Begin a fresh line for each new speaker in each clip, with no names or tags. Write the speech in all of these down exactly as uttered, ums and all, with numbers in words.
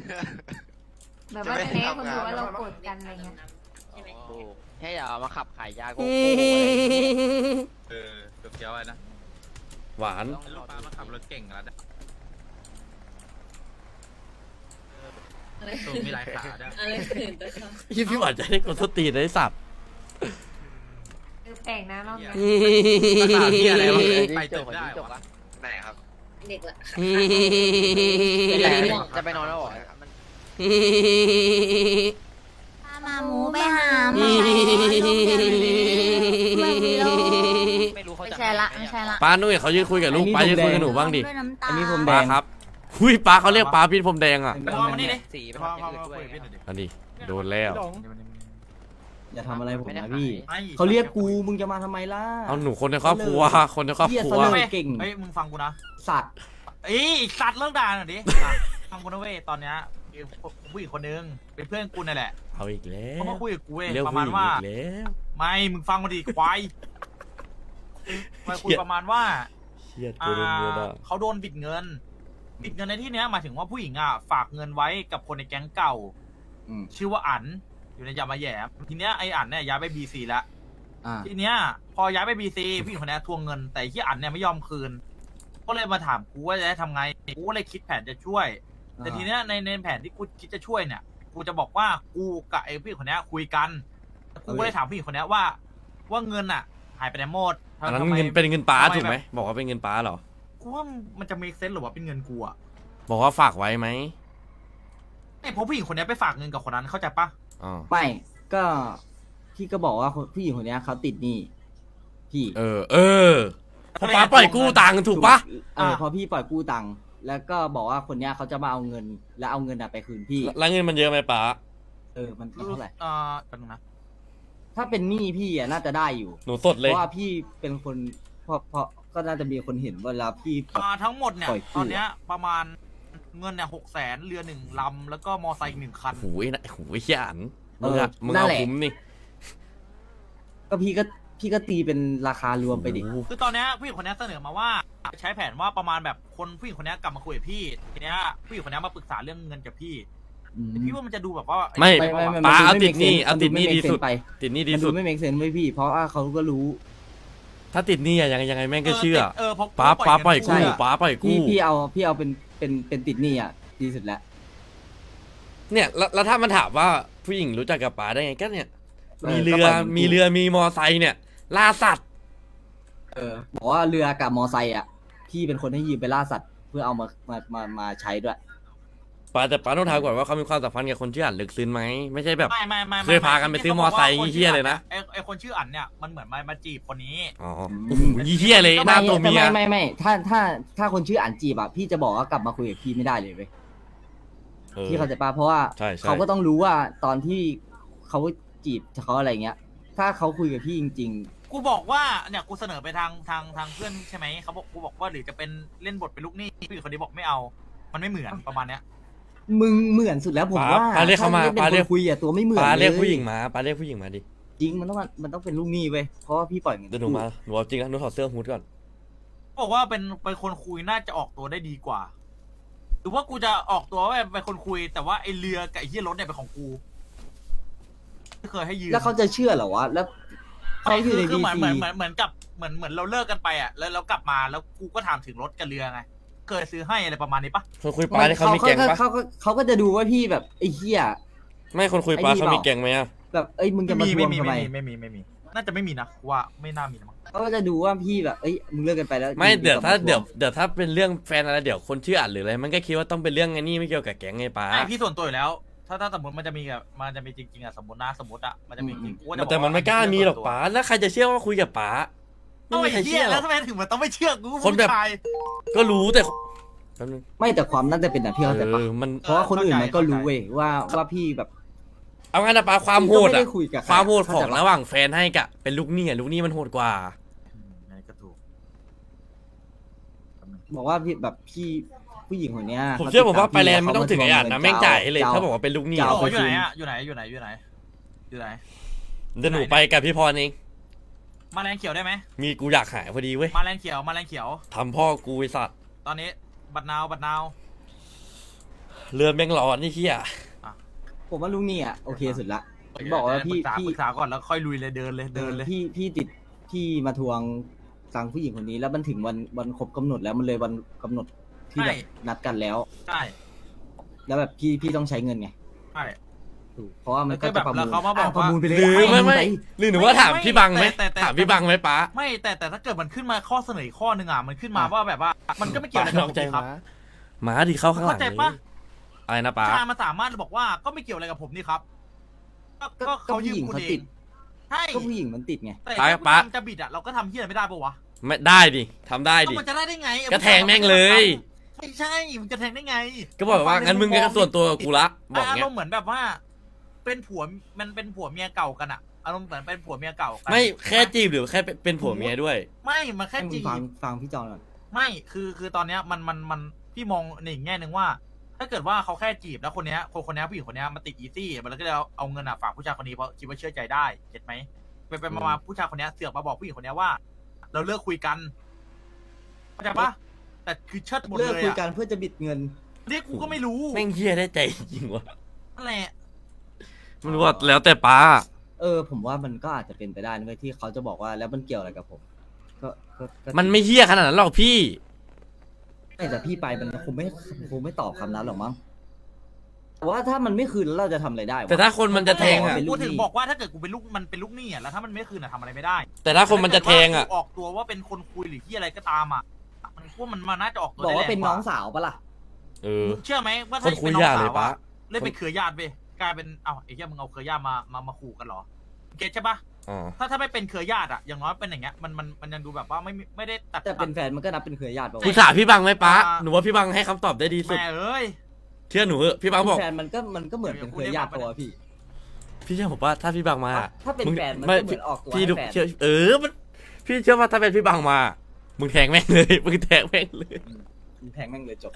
แบบว่าจะให้คนดูว่าเราโกรธกันอะไรเงี้ย
แค่อย่ามาขับขายยาโก
เออเกียวๆไว้นะ
หวาน
ลูกป้ามาขับรถเก่งแล้วนะตัวมีหลายขาด้วย
อะไรขืนตัวเขา
พี่พี่หวานจะได้กดสตีนได้สับ
คือแปลกนะรอบนี้
ภาษาที่อะไรวะไปจบได้วะ
ไหนครับ
เด็กละ
จะไปนอนแล้วเหรอ
มาหมูไปหาหมอ
ไม่รู้เขา
ไม่
จะ
ใช่ละไม่ใช่ละ
ป้านุ่ยเขายืนคุยกับลูกป้ายืนคุยกับหนูบ้างดิ
ด้วยน้ำตา
อันนี้ผมแด
ป้าง ครับหุยป้าเขาเรียกป้าพี่ผมแดงอ่ะ
พอมานี่ดิ
สี
พอพอมาคุยกับพี่หน่อยดิ
อันนี้โดนแล้ว
อย่าทำอะไรผมนะพี่เขาเรียกกูมึงจะมาทำไมล่ะ
เอาหนูคนในครอบครัวคนในครอบ
เหี้ย
ครั
เส
ว
นอเก่ง
เฮ้ยมึงฟังกูนะ
สัตว์
เอ้ยสัตว์เลิกด่าหน่อยดิฟังกูนะเว้ยตอนเนี้ยผู้หญิงคนนึงเป็นเพื่อนกูนั่นแหละ
เอาอีกแล้
เขา
ว
มาคุยกับกูเว้ย
เรียก
ประ
ผู้
มา
ห
ณ
ญิง
ว่า
อีกแล้ว
ไม่มึงฟังมาดิควายมาคุยประมาณว่า
เชียด
อ่
กูโดนเมียด่า
าเขาโดนบิดเงิน บิดเงินในที่เนี้ยหมายถึงว่าผู้หญิงอ่ะฝากเงินไว้กับคนในแก๊งเก่า
อืม
ชื่อว่าอั๋นอยู่ในยามาแหยมทีเนี้ยไออั๋นเนี่ยย้ายไปบีซีแล้ว
อ่า
ทีเนี้ยพอย้ายไปบีซีผู้หญิงคนนี้ทวงเงิน แต่ที่อั๋นเนี่ยไม่ยอมคืน ก็เลยมาถามกูว่าจะให้ทำไงกูก็เลยคิดแผนจะช่วย แต่ทีเนี้ยในในแผนที่กูคิดจะช่วยเนี่ยกูจะบอกว่ากูกับไอ้ผู้หญิงคนนี้คุยกันกูก็เลยถามผู้หญิงคนนี้ว่า ว่าเงินอ่ะ หายไปไหนหมด
อันนั้น
ทำไม
เงินเป็นเงินป้า
ทำไม
ถูกไหม
แบบ
บอกว่าเป็นเงินป้าเหรอ
กูว่ามันจะ make sense หรือว่าเป็นเงินกูอ่ะ
บอกว่าฝากไว้ไหม
ไอ้เพราะผู้หญิงคนนี้ไปฝากเงินกับคนนั้นเข้าใจปะ
อ๋อ
ไม่ก็พี่ก็บอกว่าผู้หญิงคนเนี้ยเขาติดหนี้พี่
เออ เออเพราะป้าปล่อยกู้ตังค์ถูกปะ
เออพอพี่ปล่อยกู้ตังค์แล้วก็บอกว่าคนเนี้ยเขาจะมาเอาเงิน แล้วเอาเงินอะไปคืนพี่
แล้วเงินมันเยอะไหมป้า
เออมันมันเท่าไหร่
เอ่อแป๊บนึงนะ
ถ้าเป็นหนี้พี่อะน่าจะได้อยู่
หนูสด
เพ
เลย
ราะว่าพี่เป็นคนเพราะเพราะก็น่าจะมีคนเห็นเวลาพี่แบบ
อ่าทั้งหมดเนี่ย
ปล่อยกู้
ตอนเนี้ยประมาณเงินเนี่ยหกแสนเรือหนึ่งลำแล้วก็มอไซค์อีกหนึ่งคัน
โอ้ยนะโอ้ยเขี้ยอันมึงอะ
เออ
มึง
นั่
เอา
นแหละ
คุ้มนี่
ก็พี่ก็พี่ก็ตีเป็นราคารวมไปดิ
โอ้โห
คือตอนเนี้ยผู้หญิงคนนี้เสนอมาว่า ใช้แผนว่าประมาณแบบคนผู้หญิงคนนี้กลับมาคุยกับพี่ทีเนี้ยผู้หญิงคนนี้มาปรึกษาเรื่องเงินกับพี่
อืม
แต่พี่ว่ามันจะดูแบบว่า
ไม่
ไม่ไม่ไม่
ป้าเอา
มัน
ติดหนี้
ไม่
เอาติดหนี้
มัน
ดีสุด
ไม่ make sense ไป
ติดหนี้ดี
มัน
สุ
ดู
ด
ไม่เมกเซนไว้พี่ เพราะว่าเขาก็รู้
ถ้าติดหนี้อะยังไงยังไงแม่งก็เชื่อ
เออเพราะ
ป้าป้าปล่อยกู้
เงิน
ป้าปล่อย
พี่
กู้
พี่เอาพี่เอาเป็นเป็นเป็นติดหนี้อ่ะดีสุดแล้ว
เนี่ยแล้วแล้วถ้ามันถามว่าผู้หญิงรู้จักกับป๋าได้ไงก็เนี่ย
เออ
มีเรือ
ก็ปล่อยมัน
มีเรือมีมอไซค์เนี่ย ล่าสัตว์
เออบอกว่าเรือกับมอไซค์อ่ะพี่เป็นคนให้ยืมไปล่าสัตว์เพื่อเอามามามามาใช้ด้วย
ป๋าแต่ป๋าต้องถามก่อนว่าเขามีความสัมพันธ์กับคนชื่ออั๋นลึกซึ้งไหมไม่ใช่แบบ
ไม่ไม่ไม่
เคยพากันไปซื้อมอไซค์เหี้ยเลยนะ
ไอไอคนชื่ออั๋นเนี่ยมันเหมือนมามาจีบคนนี้
อ๋อโอ้โหเหี้ยเลยหน้าตัวเมีย
ไม่ไม่ไม่ถ้าถ้าถ้าคนชื่ออันจีบอ่ะพี่จะบอกว่ากลับมาคุยกับพี่ไม่ได้เลยเว้ย
เออ
พี่เข้าใจป่ะเพราะว่า
ใช่ใช่
เขาก็ต้องรู้ว่าตอนที่เขาจีบเขาอะไรเงี้ย ถ้าเขาคุยกับพี่จริง
กูบอกว่าเนี่ยกูเสนอไปทางทางทางเพื่อนใช่ไหมเขาบอกกูบอกว่าหรือจะเป็นเล่นบทเป็นลูกหนี้ผู้หญิงคนนี้บอกไม่เอา มันไม่เหมือนประมาณเนี้ย
ๆ มึงเหมือนสุดแล้วผม
ป๋า
ว่า
ป๋าเรียกเขามา
ถ้
ป๋า
ป็น
เรียก
คนคุยอ่ะตัวไม่เหมือน
ป๋าเรียก
ล
ผู้หญิงมาป๋าเรียกผู้หญิงมาดิ
จริงมันต้องมันต้องเป็นลูกหนี้เว้ยเพราะว่าพี่ปล่อยเงิน
เดี๋ยวหนูมาหนูเอาจริงนะหนูถอดเสื้อฮูดก่อน
บอกว่าเป็นเป็นคนคุยน่าจะออกตัวได้ดีกว่า หรือว่ากูจะออกตัวว่าเป็นคนคุย แต่ว่าไอเรือกับไอเฮียรถเนี่ยเป็นของกูไม่เคยให้ยืม
แล้วเขาจะเชื่อเหรอวะแล้วเขาอยู่ใน
คื
ดี
เหมือน
ซี
เหมือนเหมือนเหมือนกับเหมือนเหมือนเราเลิกกันไปอ่ะแล้วเรากลับมาแล้วกูก็ถามถึงรถกับเรือไงเคยซื้อให้อะไรประมาณนี้ปะ
คนคุยป๋าเนี่ยเขามีแกงปะ
เขาก็เขาก็จะดูว่าพี่แบบไอ้เหี้ย
ไม่คนคุยป๋า
ไอ้นี่
เขา
เปล่า
มีแกงไหมอะ
แบบเอ้ยมึงจะมาทวงทำไม
ไม่มีไม่มี น่าจะไม่มีนะว่าไม่น่ามีนะมั้ง
เขาก็จะดูว่าพี่แบบเอ้ยมึงเลิกกันไปแล้ว
ไม่เดี๋ยวถ้า
ทง
เดี๋ยวเดี๋ยวถ้าเป็นเรื่องแฟนอะไรเดี๋ยวคนชื่ออั๋นหรืออะไรมันก็คิดว่าต้องเป็นเรื่องไงนี่ไม่เกี่ยวกับแก๊งไงป๋า
ไอพี่ส่วนตัวอยู่แล้ว ถ้าถ้าสมมติมันจะมีกับมันจะมีจริงๆอ่ะสมมตินะสมมติอ่ะมันจะมีจริงกูจะบอก
แต่มันไม่กล้ามีหรอกป๋าแล้วใครจะเชื่อว่าคุยกับป๋าไม่
ต้อง
มี
ไอ้
ใคร
เหี้
เชื่
ย
อหร
แล้
อ
ว
ก
ทำไมถึงมันต้องไม่เชื่อกู
คนแบบ
ผู้ชาย
ก็รู้แต่แป๊บนึง
ไม่แต่ความน่าจะเป็นแบบพี่เข้าใจปะ
เออมัน
เพราะว่าคนอื่นมันก็รู้เว้ยว่าว่าพี่แบบ
เอางั้นนะป๋าความโหด
พี่ก็ไม่
อะ
ได้คุยกับใคร
ความโหดของ
เข้าใจปะ
ระหว่างแฟนให้กับเป็นลูกหนี้อะลูกหนี้มันโหดกว่า
อืมนั่นก็ถูก
บอกว่าพี่แบบพี่ผู้หญิงคนเนี้ย
ผมเชื่อผมว่า
ข
ไปแลนด์ไม่ต้องถึงไอ้อั๋นนะแม่งจ่ายให้เลย
จะ
ถ้าบอกว่าเป็นลูกหนี้
จะ
โอ้
เอาไป
อยู่ไหน
คืน
อ่ะอยู่ไหนอยู่ไหนอยู่ไหนอยู่ไหน
เดี๋ยวหนูไปกับพี่พรเอง
มาแรงเขียวได้ไหม
มีกูอยากหายพอดีเว้ย
มาแรงเขียวมาแรงเขียว
ทำพ่อกูไอสัตว์
ตอนนี้บัตรนาวบัตรนาว
เรือแม่งร้อนนี่เฮีย
ผมว่าลุงนี่อ่ะโอเคสุดละ บอกว่าพี่
ปรึกษา
พี่
ปรึกษาก่อนแล้วค่อยลุยเลยเดินเลยเดินเลย
พี่พี่ติดที่มาทวงตังค์ผู้หญิงคนนี้ แล้วมันถึงวันวันครบกำหนดแล้วมันเลยวันกำหนดที่แบบนัดกันแล้ว
ใช่
แล้วแบบพี่พี่ต้องใช้เงินไง
ใช่
ถูกเพราะว่ามันก็
แล้วก็
จะประมูล
แบบแล้วเขามาบอก
ะประมูลไปเลย
หรือไม่ไม่
ป
หรือหนูว่าถามพี่บังไหม
แต่แต่
ถามพี่บังไหมป้า
ไม่แต่แต่ถ้าเกิดมันขึ้นมาข้อเสนออีกข้อหนึ่งอ่ะมันขึ้นมาว่าแบบว่า มันก็ไม่เกี่ยวอะไรกับผมนี่ครับ
หมาดิเข้าข้างหลัง
เข้าใจปะ
อะไรนะป้า
ชามันสามารถบอกว่าก็ไม่เกี่ยวอะไรกับผมนี่ครับก็
ก็
ก็
ก็
เขายื
ผู้
ม
หญิง
คุณ
เขา
เอ
ติ
ง
ด
ใช่
ก็ผู้หญิงมันติดไง
แต่ถ้าผู้หญิงจะบิดอ่ะเราก็ทำเหี้ยอะไรไม่ได้ปะวะ
ไม่ได้ดิทำได้
ก็
ดิ
มันจะได้ได้ไง
ก็แทงแม่งเลย
ไม่ใช่มันจะแทงได้ไง
ก็บอกว่างั้นมึงก็ส่วนตัวกับกูละบอก
อา
เงี้
ร
ย
มณ์เหมือนแบบว่า เป็นผัวมันเป็นผัวเมียเก่ากันอะอารมณ์เหมือนเป็นผัวเมียเก่ากัน
ไม่แค่จีบหรือแค่เป็นผัวเมียด้วย
ไม่มันแค่
ให้มึ
จี
งฟัง
บ
ฟังพี่จอนก่อน
ไม่คือคือตอนเนี้ยมันมันมันพี่มองในอีกแง่หนึ่งว่า ถ้าเกิดว่าเขาแค่จีบแล้วคนเนี้ยคนคนเนี้ยผู้หญิงคนเนี้ยมันติดอีซี่มันก็เลยเอาเอาเงินอะฝากผู้ชายคนนี้เพราะคิดว่าเชื่อใจได้เห็นไหมไปไปมามาผู้ชายคนเนี้ยเสือกมาบอกผู้หญิงคนเนี้ยว่า เราเลิกคุยกันเข้าใจปะแต่คือเชิดหมด
เลิก
เลย
คุย
อะ
กันเพื่อจะบิดเงิน
เรียกกูก็ไม่รู้
แม่งเฮียได้ใจจริงวะ
นั่นแหละ
มันว่าแล้วแต่ป้า
เออ ผมว่ามันก็อาจจะเป็นไปได้นะเว้ยที่เขาจะบอกว่าแล้วมันเกี่ยวอะไรกับผม ก็ก็ก็
มันไม่เฮี้ยขนาดนั้นหรอกพี่
ไม่แต่พี่ไปมันคงไม่คงไม่ตอบคำนั้นหรอกมั้งแต่ว่าถ้ามันไม่คืนแล้วเราจะทำอะไรได้วะ
แต่ถ้าคนมันจะแทงอ่ะ
เป็นลู
กู
กหนี้
ถึงบอกว่าถ้าเกิดกูเป็นลูกมันเป็นลูกหนี้อ่ะแล้วถ้ามันไม่คืนอ่ะทำอะไรไม่ได้
แต่ถ้าคนมันจะแทงอ่ะ
ออกตัวว่าเป็นคนคุยหรือที่อะไรก็ตามอ่ะมันพวกมันมาน่าจะออกตัว
บอกว่า
ได้แรง
เป็นน้องสาวปะล่ะ
เออ
มึงเชื่อไหมว่า
ค
ถ้าน
คุย
เป็นน้อง
ยาก
สา
เลยว ป้า
อะเล่นเป็นเครือญาติไปกลายเป็นเอ้าไอ้เหี้ยมึงเอาเครือญาติมามามาขู่กันเหรอเก็ตใช่ปะ
อ๋อ
ถ้าถ้าไม่เป็นเครือญาติอ่ะอย่างน้อยเป็นอย่างเงี้ยมันมันมันยังดูแบบว่าไม่ไม่ได้ตัด
แต่เป็นแฟนมันก็นับเป็นเครือญาติปะวะ
คุณถามพี่บังไหมป้าหนูว่าพี่บังให้คำตอบได้ดีสุด
แม่เอ้ย
เชื่อหนูเถอะพี่บังบอก
แฟนมันก็มันก็เหมือนเป็นเครือญาติตัวพี่
พี่เชื่อผมว่าถ้าพี่บังมา
ถ้าเป็น
มึง
แฟนมัน
ไม่
ก็เหมือนออกตัว
พี่
ให้
ดู
แฟน
เชื่อเออมันพี่เชื่อว่าถ้าเป็นพี่บังมา มึงแทงแม่งเลย มึงแทงแม่งเลย
แทงแม่งเลยจบ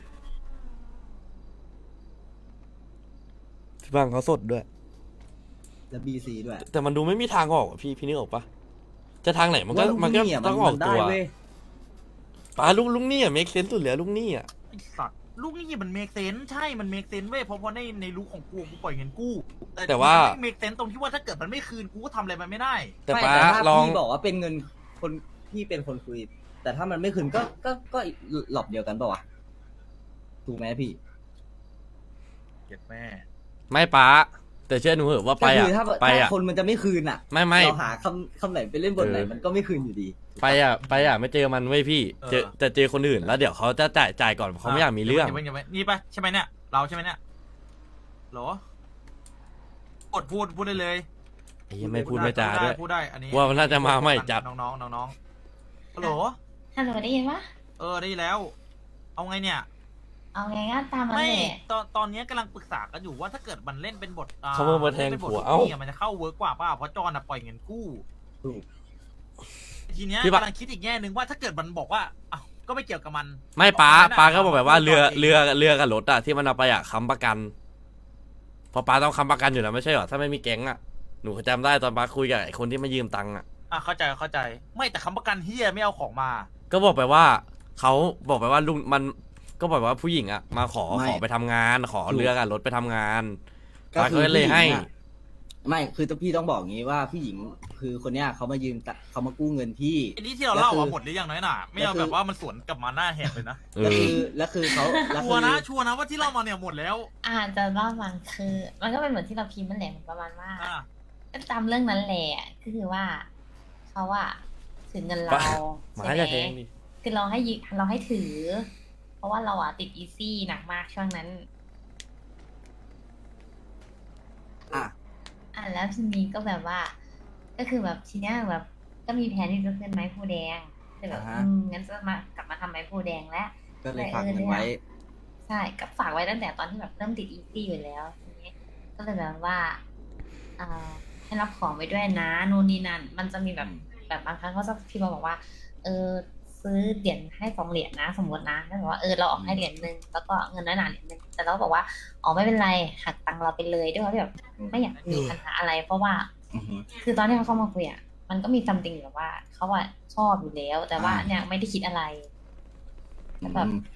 พี่บังเขาสดด้วย
แล้วบีซีด้วย
แต่มันดูไม่มีทางออกอะพี่พี่นึกออกปะจะทางไหนมันก็
ว่าลูก
มันก็
หะ
ต้องออก
ได้
ตัว
เว้ย
ป้าลุงลุงนี่อะเมคเซนสุดเลยอะลุงนี่อะ
ไอ้สัตว์ลูกหนี้มันเมกเซนใช่มันเมกเซนเว้ยเพราะเพราะในในลูกของกูกูปล่อยเงินกู้
แต่ว่า
เมกเซนตรงที่ว่าถ้าเกิดมันไม่คืนกูก็ทำอะไรมันไม่ได้
แต่
ไม่
ป้า
ถ้า
ลอง
พี่บอกว่าเป็นเงินคนพี่เป็นคนคุย แต่ถ้ามันไม่คืนก็ก็ก็หลอบเดียวกันปะวะถูกไหมพี่
เก็บแม่
ไม่ป้าแต่เชื่อหนูเถอะว่าไป
ก็
อะ
คือถ้า
ไป
ถ้า
อะ
คนมันจะไม่คืนอ่ะ
ไม่ไม่
เราหาคำคำไหนไปเล่นบทไหน
เออ
มันก็ไม่คืนอยู่ดี
ไปอะไปอะไม่เจอมันเว้ยพี่เจอแต่เจอคนอื่นแล้วเดี๋ยวเขาจะจ่ายจ่ายก่อนเขาไม่อยากมีเรื่อง
ดี๋ยวไว้ดี๋ยวไว้นี่ปะใช่ไหมเนี่ยเราใช่ไหมเนี่ยเหรอกดพูดพูดได้เลย
ไอ้เหี้ยังไม่พูดไม่จาด้วย
พูดได้อันนี้
ว่ามันน่าจะมาใหม่จัด
น้องน้องๆน้องๆฮัลโหล
ฮัลโหลได้ยินปะ
เออได้แล้ว เอาไงเนี่ย
เอาไงก็ตามมัน
ไม่
แหละ
ตอนตอนนี้กำลังปรึกษากันอยู่ว่าถ้าเกิดมันเล่นเป็นบทอ่
เขามามาแทง
ล่นป็นบท
ผัว
ลูก
เอ้า
หนี้ะมันจะเข้าเวิร์กกว่าป่ะเพราะจอนอะปล่อยเงินกู้
ถูก
ทีเนี้ย
พี่บะ
กำลังคิดอีกแง่หนึ่งว่าถ้าเกิดมันบอกว่าอ้าวก็ไม่เกี่ยวกับมัน
ไม่ป้า
บอกมันนะ
ป้าก็บอกแบบว่าเรือ
บอกเอง
เรือเรือกับรถอะที่มันเอาไปอะค้ำประกันเพอป้าต้องค้ำประกันอยู่แล้วไม่ใช่หรอถ้าไม่มีแก๊งอะหนูจำได้ตอนป้าคุยกับไอ้คนที่มายืมตังค์อะ
อ่ะเข้าใจเข้าใจ ไม่แต่คำประกันเฮียไม่เอาของมา
ก็บอกไปว่าเขาบอกไปว่าลุงมันก็บอกว่าผู้หญิงอะมาขอ
ไม่
ขอไปทำงาน ขอ
ถูก
เรือกับรถไปทำงาน
ก็
ป้า
คื
ก็
อ
เลยให้
ผู้ญิงอะไม่คือต้องพี่ต้องบอกงี้ว่าผู้หญิงคือคนเนี้ยเขามายืมตะเขามากู้เงินพี่
อันนี้ที่เราเล่า
แล้วคื
อ่ะ
อ
หมดหรือยังน้อยหน่าไม่เอา
แล้วคือ
แบบว่ามันสวนกลับมาหน้าแหกเลยนะ
เอ
แล้ว
อ
คือแล้วคือเขาแล้ว
ชั
คื
ว
อ
ร์นะชัวร์นะว่าที่เล่ามาเนี่ยหมดแล้ว
อาจจะเล่ามันคือ มันก็เป็นเหมือนที่เราพิมพ์มันแหละเหมือนประมาณว่า
อ่ะ
ก็ตามเรื่องนั้นแหละก็คือว่าเขาอะถือเงินเรา
ป้า ห
ใช่
มา
ไหม
จะแทงดิ
คือเราให้ยึดเราให้ถือ เพราะว่าเราอะติดอีซี่หนักมากช่วงนั้น
อ่ะ
อ่ะแล้วทีนี้ก็แบบว่า ก็คือแบบทีเนี้ยแบบ ก็มีแผนที่จะขึ้นไม้ผู้แดงแต่แบบ
อ่าฮะ
อืมงั้นจะมากลับมาทำไม้ผู้แดงแล้ว
ก็เลยฝากเงินไว้
ใช่ก็ฝากไว้ตั้งแต่ตอนที่แบบเริ่มติดอีซี่อยู่แล้วทีนี้ก็เลยแบบว่าอ่าให้รับของไว้ด้วยนะนู่นนี่นั่นมันจะมีแบบแบบบางครั้งเขาจะพิมพ์มาบอกว่า เออซื้อเหรียญให้สองเหรียญนะ สมมตินะแล้วบอกว่าเออเราออกให้เหรียญหนึ่งแล้วก็เงินน้อยหนาเหรียญหนึ่งแต่เราก็บอกว่าอ๋อไม่เป็นไรหักตังค์เราไปเลยด้วยเพราะที่แบบไม่อยากมีปัญหาอะไร เพราะว่า
อือฮึ
คือตอนที่เขาเข้ามาคุยอ่ะมันก็มีซัมติงแบบว่าเขาอะชอบอยู่แล้ว แต่ว่า
อ่า
เนี่ยไม่ได้คิดอะไร แล้วแบบ
อืม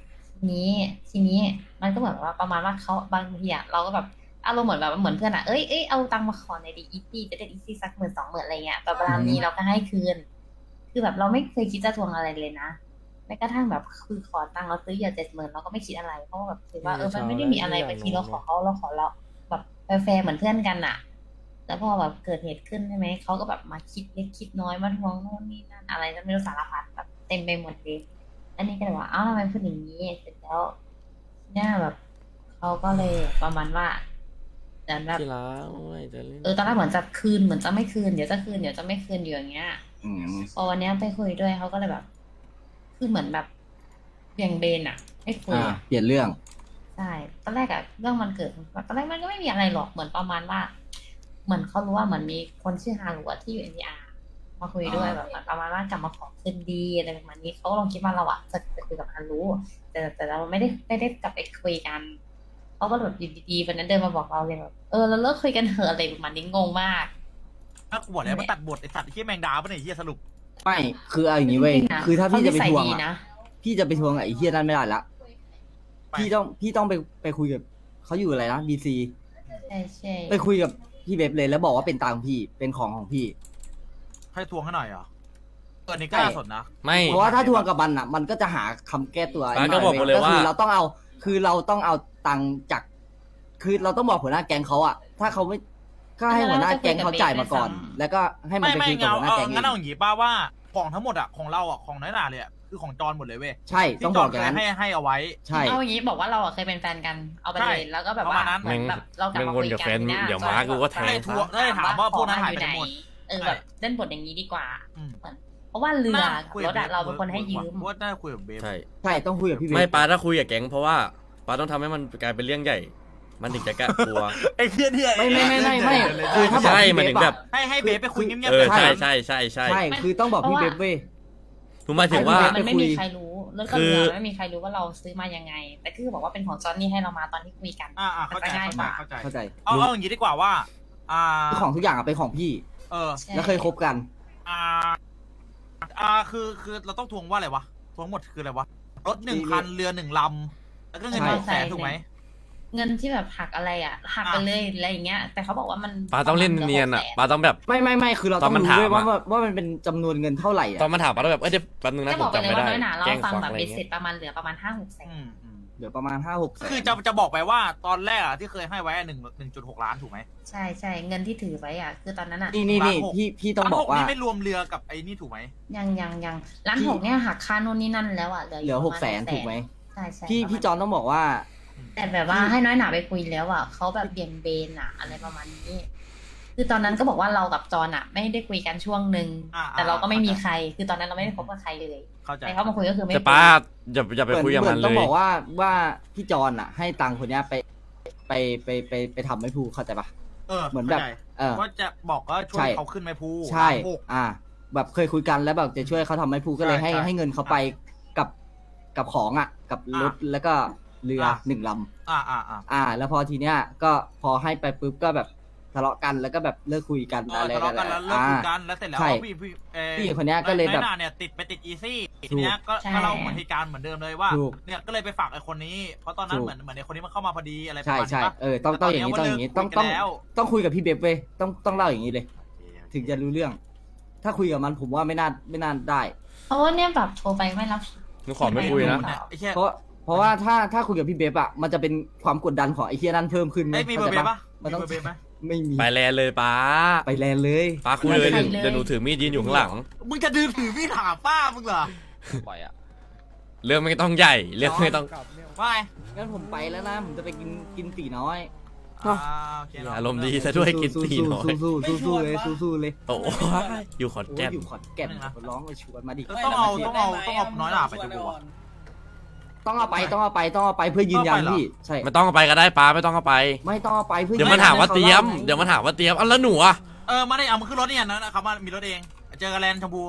ทีนี้ทีนี้มันก็เหมือนว่าประมาณว่าเขาบางทีอะเราก็แบบอารมณ์เหมือนแบบเหมือนเพื่อนอะเอ้ยเอ้ยเอาตังค์มาขอในอยดีอีซี่จะได้อีซี่สักหมื่นสองหมื่นอะไรเงี้ยแต่เวลานี้เราก็ให้คืน คือแบบเราไม่เคยคิดจะทวงอะไรเลยนะแม้กระทั่งแบบคือขอตังค์เราซื้อเหยื่อเจ็ดหมื่นเราก็ไม่คิดอะไรเพราะว่าแบบถือว่าเออมันไม่ได้มีอะไรบางทีเราขอเขาเราขอเราแบบแฟร์ๆเหมือนเพื่อนกันอะแล้วพอแบบเกิดเหตุขึ้นใช่ไหมเขาก็แบบมาคิดเล็กคิดน้อยมาทวงโน่นนี่นั่นอะไรก็ไม่รู้สารพัดแบบเต็มไปหมดเลยอันนี้ก็เลยว่าอ้าวทำไมพูดอย่างนี้เสร็จแล้วเนี่ยแบบเขาก็เลยประมาณว่าเหมือนแบบ
ที่รักโอ้ยจะเล่น
เออตอนแรกเหมือนจะคืนเหมือนจะไม่คืนเดี๋ยวจะคืนเดี๋ยวจะไม่คืนอยู่อย่างเงี้ย
อืม
พอวันเนี้ยไปคุยด้วยเขาก็เลยแบบ คือเหมือนแบบเบี่ยงเบนอะไม่คุย
อ่า
อะ
เปลี่ยนเรื่อง
ใช่ตอนแรกอะเรื่องมันเกิดตอนแรกมันก็ไม่มีอะไรหรอกเหมือนประมาณว่า เหมือนเขารู้ว่าเหมือนมีคนชื่อฮารุอะที่อยู่เอ็นดีอาร์มาคุยด้วย
อ่า
แบบเหมือนประมาณว่ากลับมาขอคืนดีอะไรประมาณนี้เขาก็ลองคิดว่าเราอะจะจะคุยกับฮารุแต่แต่เราไม่ได้ไม่ได้กลับไปคุยกันเขาก็แบบอยู่ดีๆวันนั้นเดินมาบอกเราเลยแบบเออเราเลิกคุยกันเถอะอะไรประมาณนี้งงมาก
ถ้ากูบอกแล้วมาตัดบทไอ้สัตว์ไอ้เหี้ยแมงดาปะเนี่ยไอ้เหี้ยสรุป
ไม่คือเอาอย่างนี้เว้ย
จริงๆนะ
คือถ้าพี่จะไป
เขานิสัย
ทวง
ดี
อ่ะ
นะ
พี่จะไปทวงกับไอ้เฮียนั่นไม่ได้ละ
ไป
พี่ต้องพี่ต้องไปไปคุยกับเขาอยู่อะไรนะบีซี
ใช่ใช่
ไปคุยกับพี่เบบเลยแล้วบอกว่าเป็นตังค์พี่เป็นของของพี่
ให้ทวงให้หน่อยเหรอเออนี่ก็น่าสนนะ
ไม่
เพราะว่าถ้าทวงกับมันอ่ะ มันก็จะหาคำแก้ตัว
ร้านก็บอกหมดเลยว่า
คือเราต้องเอา คือเราต้องเอาตังค์จาก คือเราต้องบอกหัวหน้าแก๊งเขาอ่ะ ถ้าเขาไม่ก็ให้หัวหน้าแก๊งเขาจ่ายมาก่อน แล้วก็ให้มัน
ไม่
ไป
ไม่
คุยกับ
เอา
หัวหน้า
เอา
แก๊งเอ
งั้นเอา
ง
อย่างงี้ป้าว่าของทั้งหมดอะของเราอะของน้อยหนาเลยอะคือของจอนหมดเลยเว้ย
ใช่ต้องบอกอย่างนั้น
ที่จนเคยให้ให้เอาไว้
ใช่
เอาอย่างนี้บอกว่าเราอะเคยเป็นแฟนกันเอาไป
ใช่
เลยแล้วก็แบบว่า
ประมาณนั้น
เหมือนแบบเรากลับมา
แม่งวน
คุย
กับ
กั
แฟ
น
น
เนี่ย
เดี๋ยวม้ากูก็แทง
ให้ทวงได้ถามว่าพวกนั้นหายไปไหนหมด
เออแบบเล่นบทอย่างนี้ดีกว่า
อืม
เหมือนเพราะว่าเรือ
น่า
กับ
คุย
ร
กับ
ถอะ
บฟ
เราเป็นคนให้ยืม
ว่าน่าคุยกับเบฟ
ใช่
ใช่ต้องคุยกับพี่เบ
ไม่
ส
ป้าถ้าคุยกับแก๊งเพราะว่าป้าต้องทำให้มันกลายเป็นเรื่องใหญ่ มันถึงจะกล้ากลัว
ไอ้เหี้ยเนี่ย
ไม่ไม่ไม่ไม่ไม่คือถ้าบอก
ใช่
พี่
มัน
เบ
ถึ
ส
งแบ
แบบ บ
ให้ให้เบฟไปคุยเงียบ
เอ
ๆ
อ
กัน
ใช่ใช่ใช่ใช่
ใช่คือต้องบอกพี่เบสเว้ย
ผมหมายถึงว่า
ไมันไม่มีใครรู้รถกับ
คือ
เรือไม่มีใครรู้ว่าเราซื้อมายังไง แต่คือบอกว่าเป็นของจอนนี่ให้เรามาตอนที่คุยกัน
อ่าอ่าเข้าใจ
มันจะง่าย
เข้าก ใจ
ว่า
เข้าใจ
เข้าใจ
เอาเอาอย่างงี้ดีกว่าว่า อ่า
คือของทุกอย่างอะเป็นของพี่
เออ
ใช่
แล้วเคยคบกัน
อ่า อ่า คือ คือ เราต้องทวงว่าอะไรวะ ทวงหมดคืออะไรวะ รถหนึ่งคัน เรือหนึ่งลำ แล้วก็เงิน
ใช่
หนึ่งแสนถูกไหม
เงินที่แบบหักอะไรอ่ะหักไปเลยอะไรอย่างเงี้ย แต่เขาบอกว่ามัน
ป้าต้องเล่นเนียนอ่ะ
ประมาณ
ป้าต้องแบบ
ไม่ไม่ไม่คือเรา
ต
ต้
อ
อน ง
มัน
รู้ด้วย
ถาม
ว่า
อะ
ว่าว่ามันเป็นจำนวนเงินเท่าไหร่อะ
ตอนมาถามป้าต้องแบบเอ้ยเดี๋ยวแป๊บนึงนะ
จะ
ผ
บอ
ม
กไป
จำ
เลย
ไม่
ว่า
ได้
น้อยหนาเรา
แกล้ง
ฟัง
ฟัง
แบบ
อะไร
เบ็ดเสร็
เงี้
จ
ย
ประมาณเหลือประมาณห้าหกแสน
อืมอืม
เหลือประมาณห้าหกแสน
คือจะจะบอกไปว่าตอนแรกอะที่เคยให้ไว้หนึ่งหนึ่งจุดหกล้านถูกไหม
ใช่ใช่เงินที่ถือไว้อ่ะ คือตอนนั้นอ่ะ
นี่นี่นี่
ล้านหก
พี่พี่ต้อง
ล้าน
บ
ห
อก
ก
ว่า
นี่ไม่รวมเรือกับไอ้นี่ถูกไหม
ยังยังยังร้าน
พี่
หกเนี่ยหักค่านู่นนี่นั่นแล้วอ่ะเหลือ
เหลือหกแสนถูกไหม
ใช่ใช่
พี่
ประมาณ
พี่จอนต้องบอกว่า
แต่แบบว่าให้น้อยหนาไปคุยแล้วอ่ะเขาแบบเบี่ยงเบนอ่ะ อะไรประมาณนี้ คือตอนนั้นก็บอกว่าเรากับจอนอ่ะ ไม่ได้คุยกันช่วงหนึ่ง
อ่า
แต่เราก็ไม่มี
เข้าใจ
ใคร คือตอนนั้นเราไม่ได้คบกับใครเลย
เข้าใจ
แต่เขามาคุยก็คือไม่
แต่
คุย
ป้าอย่าอย่าไป
เหมือน
คุยกับ
เหมื
มั
อน น
เล
ต้อง
ย
บอกว่าว่าพี่จอนอ่ะ ให้ตังค์คนเนี้ยไปไปไปไปไปทำไม่พูเข้าใจปะ
เออ
เหมือนแบบ
ข้าใจ
เออ
ว่าจะบอกว่าช่ว
ใช่
ยเขาขึ้นไม่พู
ใช่
ล้านหก
อ่า แบบเคยคุยกันแล้วแบบจะช่วยเขาทำไม่พูก็เลย
ใช่
ให้
ใช่
ให้เงินเขาไปกับกับของอ่ะ กับรถแล้วก็เรือ
อ่ะ
หนึ่งล
อ่าอ่าอ่า
ำอ่า แล้วพอทีเนี้ยก็พอให้ไปปุ๊บก็แบบทะเลาะกันแล้วก็แบบเลิกคุยกัน
เออ
อะไร
ทะเลาะกันแล้วเลิก
อ่า
คุยกันแล้วเสร็จแล้ว
ใช่
พี่พี่เอ่อ
พี่คนเนี้ยก็เลยแบบ
น้อหนาเนี่ยติดไปติดอีซี่
ถูก
ทีเนี้ยก็ก็เล่าเหมือนเหตุการณ์เหมือนเดิมเลยว่า
ถูก
เนี่ยก็เลยไปฝากไอ้คนนี้ เพราะตอนนั้น
ถูก
เหมือนเหมือนไอ้คนนี้มันเข้ามาพอดีอะไรประ
ใช่
มาณ
ใช่
นี้ปะ
เออต้องต้องอย่างนี้ต้องอย่างนี้ต้องต้อง
แล้ว
ต้องคุยกับพี่เบบเว้ยต้องต้องเล่าอย่างนี้เลย ถึงจะรู้เรื่อง ถ้าคุยกับมันผมว่าไม่น่าไม่น่าได้
เพราะว่าเนี่ยแบบโทรไปไม่รับ
หนูขอไม่คุยนะ
เนี่ยไอ้เหี้ย
เพราะเพราะว่าถ้าถ้าคุยกับพี่เบบอะมันจะเป็นความกดดันของไอ้เฮียนั่นเพิ่มขึ้น
ไอ้ยมีเบอร์เบย์ปะ
มัน
มี
ต้อง
เบอร์เบย์ไหม
ไม่มี
ไปแลนเลยป้า
ไปแลนเลย
ป้าคุยเลยเดี๋ยวเดี๋ยวหนูถือมีดยืนอยู่ข้างหลัง
มึงจะดื้อถือพี่ถามป้ามึงเหรอ
ปล่อยอ่ะ
เรื่องไม่ต้องใหญ่ เรื่องไม่ต้อง
ไม่
งั้นผมไปแล้วนะผมจะไปกินกินตีน้อย
อ่าโอเคเนะ
อารมณ์ดีซะด้วยกินตีน้อย
สู้สู้สู้สู้เลยสู้สู้เลย
โอ้ยอยู่ขอน
โอ้
แก่
ย
น
อยู่ขอนแก่นร้องไปชวนมาดิ
ต้องเอาต้องเอาต้องเอาน้อยหนาไปดูอะ
ต้องเอาไปต้องเอาไปต้องเอาไปเพื่อยืนยันพี่ใช่
ไม่ต้องเอาไปก็ได้ป้าไม่ต้องเอาไป
ไม่ต้องเอาไปเพื่อ
เดี๋ยวมันถามว่าเตรียม เดี๋ยวมันถามว่าเตรียมอ่ะแล้วหนูอ่ะ
เออมาได้เอามาขึ้นรถเนี่ยนะนะครับว่ามีรถเอง เจอกันแลนด์ชมพู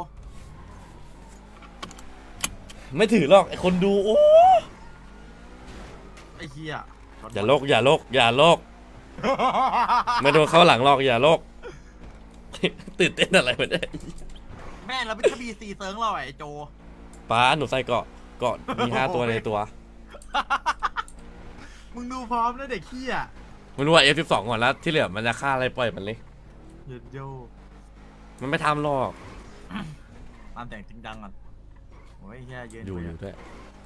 ไม่ถือหรอกไอคนดูโอ้
ไอ้เหี้ย
อย่าโลกอย่าโลกอย่าโลกไม่โดนเข้าหลังหรอกอย่าโลก ตื่นเต้นอะไรไม่ได้
แม่เราไม่ใช่บีซีเซิร์งเราไอ้โจ
ป้าหนูใส่เกาะเกาะมีห้าตัวในตัว
มึงดูพร้อมนะเด็กขี้อ่ะ
มึงรู้ว่า เอฟ สิบสอง ก่อนแล้วที่เหลือมันจะฆ่าอะไรปล่อยมันเลย
เย็ดโย
มันไม่ทำหรอก
ตามแต่งจริงดังก่อนโอ้ยแค่ยืน
อยู่
คุ
อยู่ด้วย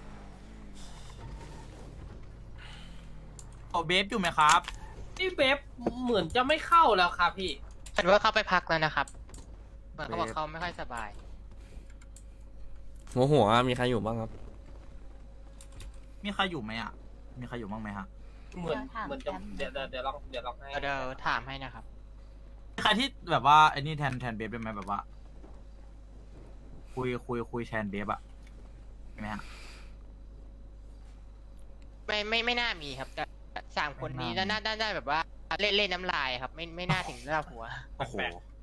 เอาเบฟอยู่ไหมครับ
พี่เบฟเหมือนจะไม่เข้าแล้วครับพี่
ฉันว่าเขาไปพักแล้วนะครับเหมือนเขาบอกเขาไม่ค่อยสบาย
หัวหัวมีใครอยู่บ้างครับ
มีใครอยู่ไหมอ่ะ มีใครอยู่บ้างไหมฮะ
เหมือนเหมือนจะเดี๋ยวเดี๋ยวเดี๋ยวลองเดี๋ยวลองให้
เดี๋ยวถามให้นะครับ
มีใครที่แบบว่าไอ้นี่แทนแทนเบฟได้ไหมแบบว่า คุยคุยคุยแทนเบฟอะมีไหมฮะ
ไม่ไม่ไม่น่ามีครับแต่สามคนนี้
ไม่น่ามี
น่าน่าได้แบบว่าเล่นเล่นน้ำลายครับ ไม่ไม่น่าถึงระดับหัว
โอ้โห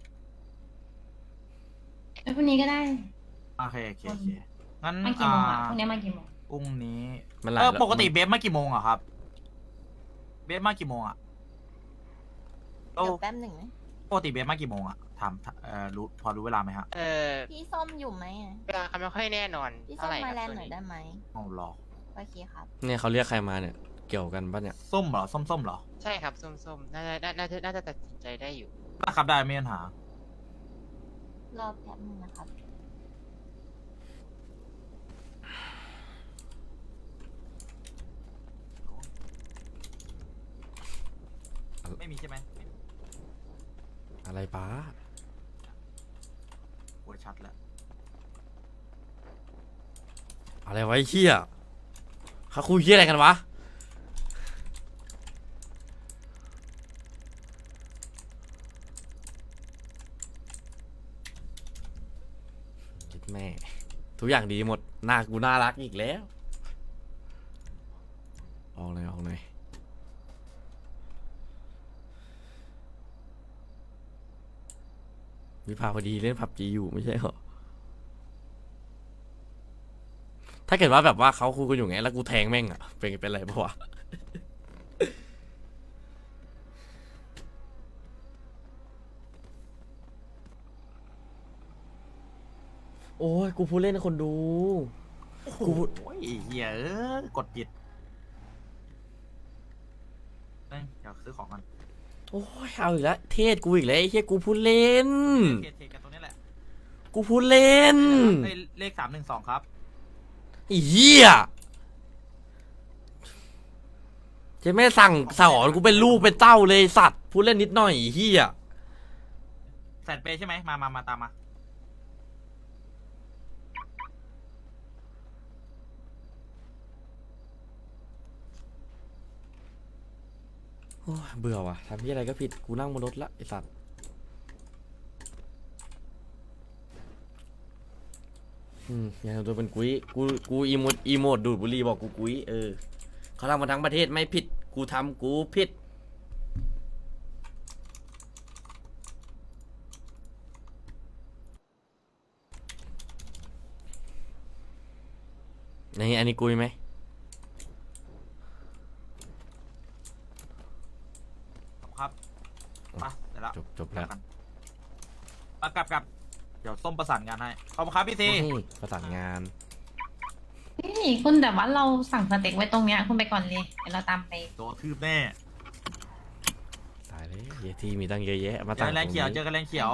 แล้วพรุ่งนี้ก็ได้
โอเคโอเคโอเคงั้น
มากี่โมงอ่ะ
อ่า
พรุ่งนี้มากี่โมง
พรุ่งนี้
มันหลาย
เออ
แล้ว
ปกติเบฟมากี่โมงอะครับ เบฟมากี่โมงอะโอ้
เดี๋ยวแป๊บหนึ่งนะ
ปกติเบฟมากี่โมงอะถามเอ่อรู้พอรู้เวลาไหมฮะ
เออ
พี่ส้มอยู่ไหมอะ
เวลาเขาไม่ค่อยแน่นอน
พี่ส้
เท่าม ไหร่ค
มา
รับ
แลนด์
ช่วง
หน่อย
นี้
ได้ไหม
เอาหรอ
โอเคครับ
เนี่ยเขาเรียกใครมาเนี่ย เกี่ยวกันปะเนี่ย
ส้มเหรอ ส้มส้มเหรอ
ใช่ครับส้มๆน่าจะน่าน่าจะน่าจะตัดสินใจได้อยู่
ได้ครับได้ไม่มีปัญหาร
อแป๊บหนึงนะครับ
ไม่มีใช่ไหม
อะไรป้า
โอ้ยชัดแล้ว
อะไรไวะไอ้เหี้ยเขาคุยเหี้ยอะไรกันวะ คิดแม่ ทุกอย่างดีหมด หน้ากูน่ารักอีกแล้ว ออกเลยออกเลยวิภาพอดีเล่นผับจีอยู่ไม่ใช่เหรอ ถ้าเกิดว่าแบบว่าเขาคุยกันอยู่ไง แล้วกูแทงแม่งอะเป็นเป็นไรปะวะ โอ้ย กูพูดเล่นให้คนดู
โอ้โห
กู
เหี้ยเอ้ยกดผิดเอ้ยเดี๋ยวซื้อของกัน
โอ้ย เอาอีกแล้ว เทศกูอีกแล้วไอ้เหี้ยกูพูดเล่น
เทรดเทรดกันตรงนี้แหละ
กูพูดเล่น
เลขเลขสามหนึ่งสองครับ
ไอ้เหี้ยเจ๊แม่สั่งสอนกูเป็นลูกเป็นเต้าเลยสัตว์ พูดเล่นนิดหน่อยไอ้เหี้ย
แสนเปย์ใช่ไหมมามามาตามมา
โอ้ยเบื่อว่ะทำที่อะไรก็ผิด กูนั่งบนรถละไอ้สัตว์ อืมอย่าทำตัวเป็นกุ้ย กู กูอีโมดอีโมดดูดบุหรี่บอกกูกุ้ย เออ เขาทำมาทั้งประเทศไม่ผิด กูทำกูผิด นี่อันนี้กุยไหม
ครับมาเดี๋ยวละ
จบจบแล้ว
กันมากลับกลับเดี๋ยวส้มประสานงานให้ขอบคุณครับพี่ซี
นี่ประสานงาน
นี่คุณแต่ว่าเราสั่งสเต็กไว้ตรงเนี้ยคุณไปก่อนเลยเดี๋ยวเราตามไป
โดนทืบแน่
ตายเลยเยทีมีตั้งเยอะแยะ มา
เจ
ตั้ง
อแรงเขียว
ต
เจ
นี้
อกันแรงเขียว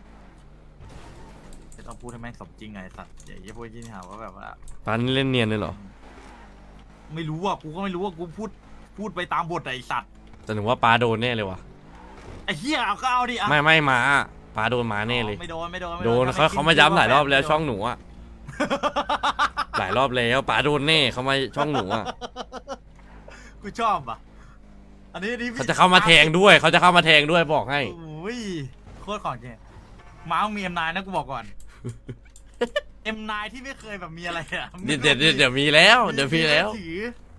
จะต้องพูดให้แม่งสมจริงไงสัตว์อย่าอย่าพูดยิ่งหาว่าแบบว่า
ปานนี่เล่นเนียนเลยเหรอ
ไม่รู้อ่ะกูก็ไม่รู้ว่ากูพูดพูดไปตามบทไอ้สัตว์
แต่หนูว่าปลาโดนแน่เลยวะ
ไอ้เหี้ยเอาก็เอาดิอ่ะ
ไม่ไม่มาปลาโดนมาแน่เลย
ไม่โดนไม่โดนไม่
โดน
ถ้
เขา
คิ
เขามาย้ำหลายรอบแล้ว
ไม่โดน
ช่องหนูอะหลายรอบแล้วปลาโดนแน่เขามาช่องหนูอะ
กูชอบอ่ะอันนี้อันนี้พี่
เขาจะเข้ามาแทงด้วยเขาจะเข้ามาแทงด้วยบอกให้
โอ้ยโคตรของจริงม้ามึงมีเอ็มนายนะกูบอกก่อน เอ็มนายที่ไม่เคยแบบมีอะไรอ่ะ
เดี๋ยวเดี๋ยวเดี๋ยวเดี๋ยวมีแล้วเดี๋ยวมีแล้ว
ถือ